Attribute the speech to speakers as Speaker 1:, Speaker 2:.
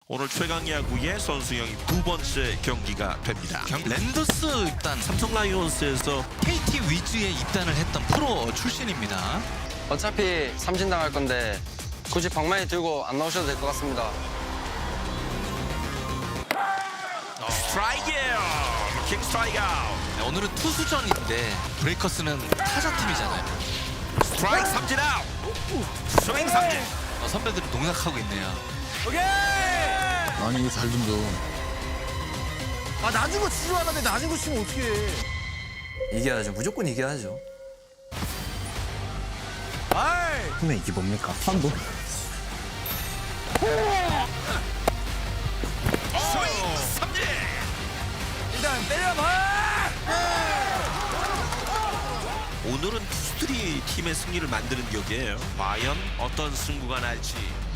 Speaker 1: 오늘 최강 야구의 선수형이 두 번째 경기가 됩니다.
Speaker 2: 랜더스 입단
Speaker 1: 삼성 라이온스에서
Speaker 2: KT 위즈에 입단을 했던 프로 출신입니다.
Speaker 3: 어차피 삼진 당할 건데 굳이 방망이 들고 안 나오셔도 될 것 같습니다.
Speaker 1: 스트라이크예요. 킥 스트라이크 아웃.
Speaker 2: 네, 오늘은 투수전인데 브레이커스는 타자팀이잖아요.
Speaker 1: 스트라이크 삼진 아웃. 스윙 삼진.
Speaker 2: 선배들이 농락하고 있네요.
Speaker 4: 아니 이거 잘 던져.
Speaker 5: 아 낮은 거 치지 않았는데 낮은 거 치면 어떡해.
Speaker 6: 이겨야죠. 무조건 이겨야죠.
Speaker 5: 근데 이게 뭡니까?
Speaker 1: 스윙 삼진.
Speaker 5: 일단 때려봐!
Speaker 1: 오늘은 투수들이 팀의 승리를 만드는 격이에요. 과연 어떤 승부가 날지.